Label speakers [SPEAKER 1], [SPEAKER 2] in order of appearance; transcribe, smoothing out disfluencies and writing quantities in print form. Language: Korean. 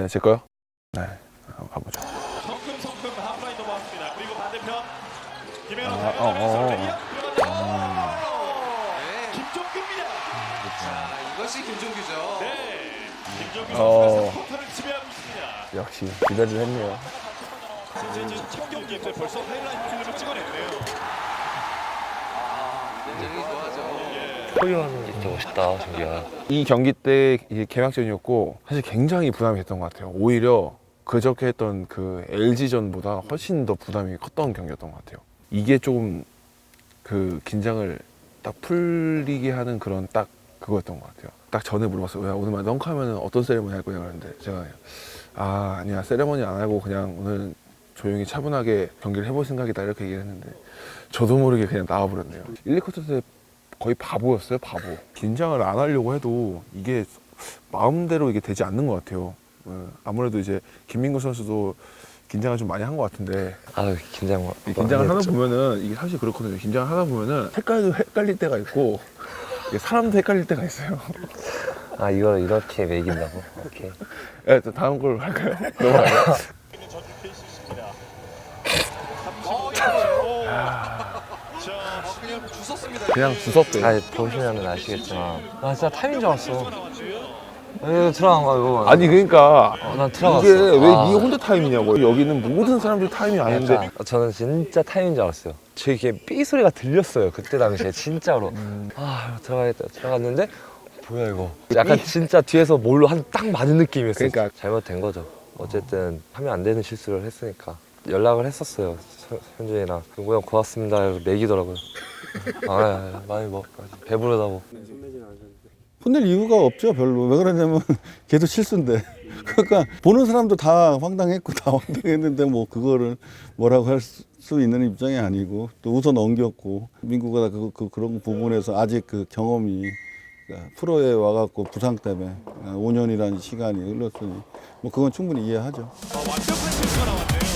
[SPEAKER 1] 네, 제 거요? 네, 한번 가보죠.
[SPEAKER 2] 성큼 하프라인 넘어왔습니다. 그리고 반대편 김현우
[SPEAKER 1] 아,
[SPEAKER 2] 달려가면서 레이업
[SPEAKER 3] 네.
[SPEAKER 2] 김종규입니다.
[SPEAKER 3] 자, 이것이 김종규죠.
[SPEAKER 2] 네, 김종규
[SPEAKER 1] 어.
[SPEAKER 2] 선수가 3쿼터를 지배하고 있습니다.
[SPEAKER 1] 역시 기대를 했네요.
[SPEAKER 2] 이제 첫 경기에서 벌써 하이라이트 필름을 찍어냈네요.
[SPEAKER 3] 굉장히 좋아하죠.
[SPEAKER 4] 소유하는 게 진짜 멋있다, 정규야.
[SPEAKER 1] 이 경기 때 이게 개막전이었고 사실 굉장히 부담이 됐던 것 같아요. 오히려 그저께 했던 그 LG전보다 훨씬 더 부담이 컸던 경기였던 것 같아요. 이게 조금 그 긴장을 딱 풀리게 하는 그런 딱 그거였던 것 같아요. 딱 전에 물어봤어요. 야, 오늘 덩크하면 어떤 세레머니 할 거냐 그랬는데 제가 아니야, 세레머니 안 하고 그냥 오늘 조용히 차분하게 경기를 해볼 생각이다 이렇게 얘기를 했는데 저도 모르게 그냥 나와버렸네요. 1, 2쿼터 때 거의 바보였어요, 바보. 긴장을 안 하려고 해도 이게 마음대로 이게 되지 않는 것 같아요. 아무래도 이제 김민구 선수도 긴장을 좀 많이 한 것 같은데
[SPEAKER 4] 아, 긴장.
[SPEAKER 1] 이 긴장을 하다 보면은 이게 사실 그렇거든요. 긴장을 하다 보면은 색깔도 헷갈릴 때가 있고 이게 사람도 헷갈릴 때가 있어요.
[SPEAKER 4] 아, 이걸 이렇게 매긴다고? 오케이.
[SPEAKER 1] 네, 또 다음 걸 할까요? 넘어가요.
[SPEAKER 2] 전주 케이스입니다.
[SPEAKER 3] 그냥 주웠습니다.
[SPEAKER 1] 그냥 주섭대.
[SPEAKER 4] 아, 보시면 아시겠지만. 나 진짜 타임인 줄 알았어. 이거 들어간 거야, 이거.
[SPEAKER 1] 아니 그러니까
[SPEAKER 4] 난 들어갔어.
[SPEAKER 1] 이게 왜
[SPEAKER 4] 아.
[SPEAKER 1] 네가 혼자 타임이냐고. 여기는 모든 사람들 타임이 아닌데.
[SPEAKER 4] 약간 저는 진짜 타임인 줄 알았어요. 제 이게 삐 소리가 들렸어요. 그때 당시에 진짜로. 아, 들어가겠다. 들어갔는데 뭐야 이거. 약간 진짜 뒤에서 뭘로 한 딱 맞은 느낌이었어요.
[SPEAKER 1] 그러니까.
[SPEAKER 4] 잘못된 거죠. 어쨌든 하면 안 되는 실수를 했으니까 연락을 했었어요. 현준이랑. 용구 형 고맙습니다. 이러고 매기더라고요. 많이 먹. 배부르다고.
[SPEAKER 5] 혼낼 이유가 없죠, 별로. 왜 그러냐면 걔도 실수인데. 그러니까 보는 사람도 다 황당했고 다 황당했는데 뭐 그거를 뭐라고 할 수 있는 입장이 아니고 또 웃어 넘겼고 민구가 그런 부분에서 아직 그 경험이 그러니까 프로에 와갖고 부상 때문에 5년이라는 시간이 흘렀으니 뭐 그건 충분히 이해하죠.
[SPEAKER 2] 완벽한 실수가 나왔네요.